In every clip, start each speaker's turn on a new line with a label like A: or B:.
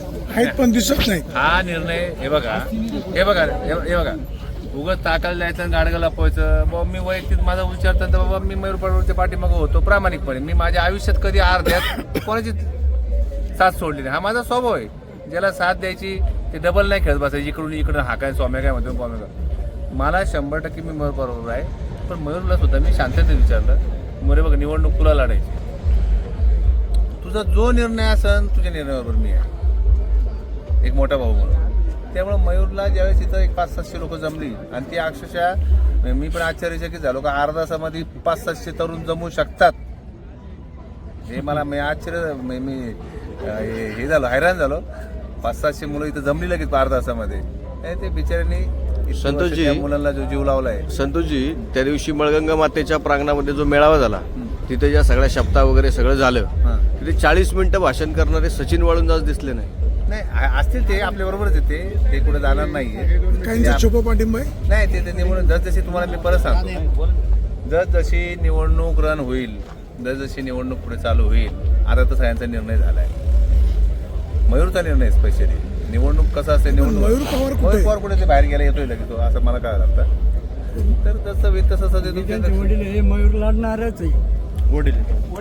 A: आहेत पण दिसत नाहीत.
B: हा निर्णय हे बघा उगाच ताकाला जायचं आणि गाडगं लपवायचं. बाबा मी वैयक्तिक माझा विचार तर बाबा मी मयूर पडवळच्या पाठीमागं होतो प्रामाणिकपणे. मी माझ्या आयुष्यात कधी अर्ध्यात कोणाची साथ सोडली नाही. हा माझा स्वभाव आहे. ज्याला साथ द्यायची ते डबल नाही खेळत बसायची इकडून इकडून हा काय स्वाम्या काय म्हणतो स्वाम्या काय. मला 100% मी मयूर बरोबर आहे. पण मयूरला सुद्धा मी शांततेने विचारलं, मयूर बघ निवडणूक तुला लढायची, तुझा जो निर्णय असेल तुझ्या निर्णयाबरोबर मी आहे एक मोठा भाऊ म्हणून. त्यामुळे मयूरला ज्यावेळेस इथं एक 500-700 लोक जमली आणि ती अक्षरशः मी पण आश्चर्यचकित झालो का अर्धा तासामध्ये 500-700 तरुण जमू शकतात. हे मला मी आश्चर्य मी हे झालो, हैराण झालो. 500-700 मुलं इथं जमली लगेच अर्धा तासामध्ये. ते बिचाऱ्यांनी
C: संतोषजी
B: मुलांना जो जीव लावलाय.
C: संतोषजी त्या दिवशी मळगंगा मातेच्या प्रांगणामध्ये जो मेळावा झाला तिथे ज्या सगळ्या शब्दा वगैरे सगळं झालं तिथे 40 मिनिटं भाषण करणारे सचिन वाळुंज आज दिसले नाही.
B: असतील ते आपल्या बरोबरच येते, ते कुठे जाणार नाहीये.
A: काहींचा छुपा पाठिंबा आहे.
B: नाही ते निवडणूक जसजशी तुम्हाला मी परत सांगतो, जसजशी निवडणूक रन होईल, जसजशी निवडणूक पुढे चालू होईल, आता तर सगळ्यांचा निर्णय झालाय. मयूरचा निर्णय स्पेशली निवडणूक कसं असते, निवडणूक
A: मयूर पवार
B: कुठे ते बाहेर गेला येतोय लगेच तो, असं मला काय लागतं. तर जसं होईल तसं
D: वडील हे मयूर लढणारच आहे.
B: वडील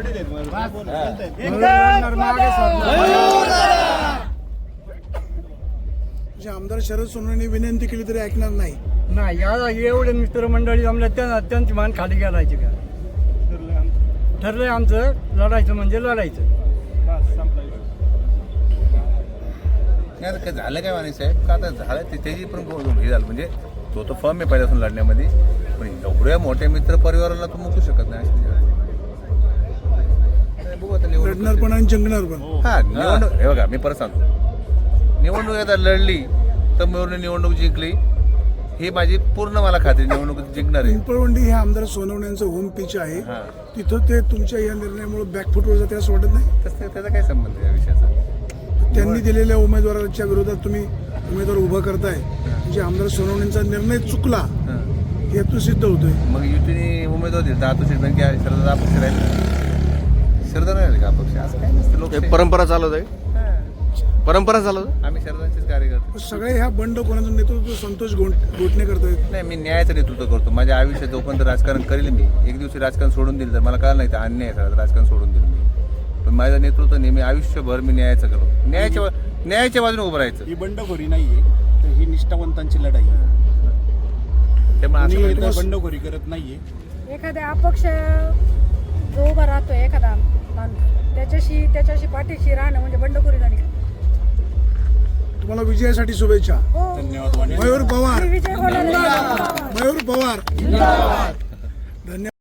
A: जे आमदार शरद सोनवणे विनंती केली तरी ऐकणार नाही.
D: नाही या एवढे मित्रमंडळी जमल्या त्यांची मान खाली घालायची का. ठरलंय आमचं लढायचं म्हणजे लढायचं.
B: नाही आता काय झालं काय माने साहेब का आता झालं त्याची पण हे झालं म्हणजे तो फर्म आहे पहिल्यापासून लढण्यामध्ये. पण एवढ्या मोठ्या मित्र परिवाराला तो मुकू शकत नाही. बघू आता
A: लढणार पण आणि जिंकणार पण.
B: हा निवडणूक हे बघा मी परत सांगतो, निवडणूक आता लढली तर मयूरने निवडणूक जिंकली ही माझी पूर्ण मला खात्री. निवडणूक जिंकणार आहे.
A: पिंपळवंडी हे आमदार सोनवण्यांचं होम पिच आहे. तिथं ते तुमच्या या निर्णयामुळे बॅकफुटवर जाते असं वाटत नाही.
B: तसं त्याचा काय संबंध आहे या विषयाचा.
A: त्यांनी दिलेल्या उमेदवाराच्या विरोधात तुम्ही उमेदवार उभा करताय म्हणजे आमदार सोनवण्यांचा निर्णय चुकला हेतू सिद्ध होतोय.
B: मग युतीने उमेदवार दिले तर आता की शरद अपक्ष राहील, शरद राहील का अपक्ष असं काय नसतं. लोक
C: परंपरा चालत आहे, परंपरा चालत.
B: आम्ही शरदांचेच कार्यकर्ते.
A: सगळे ह्या बंड कोणाचं नेतृत्व संतोष घोटणे करतायत.
B: नाही मी न्यायाचं नेतृत्व करतो. माझ्या आयुष्यात जोपर्यंत राजकारण करेल मी, एक दिवशी राजकारण सोडून दिलं तर मला कळलं नाही तर अन्याय आहे राजकारण सोडून दिलं मी. पण माझं नेतृत्व नेहमी आयुष्यभर मी न्यायाचं करतो. न्यायाच्या बाजूने उभं राहायचं.
E: ही बंडखोरी नाहीये, तर ही निष्ठावंतांची लढाई आहे.
B: त्यामुळे
E: बंडखोरी करत नाहीये.
F: एखाद्या अपक्ष जो उभा राहतो एखादा माणूस त्याच्याशी पाठीशी राहणं म्हणजे बंडखोरी झाली.
A: तुम्हाला विजयासाठी शुभेच्छा.
E: धन्यवाद.
A: मयूर पवार,
F: विजय होणार.
A: मयूर पवार, धन्यवाद.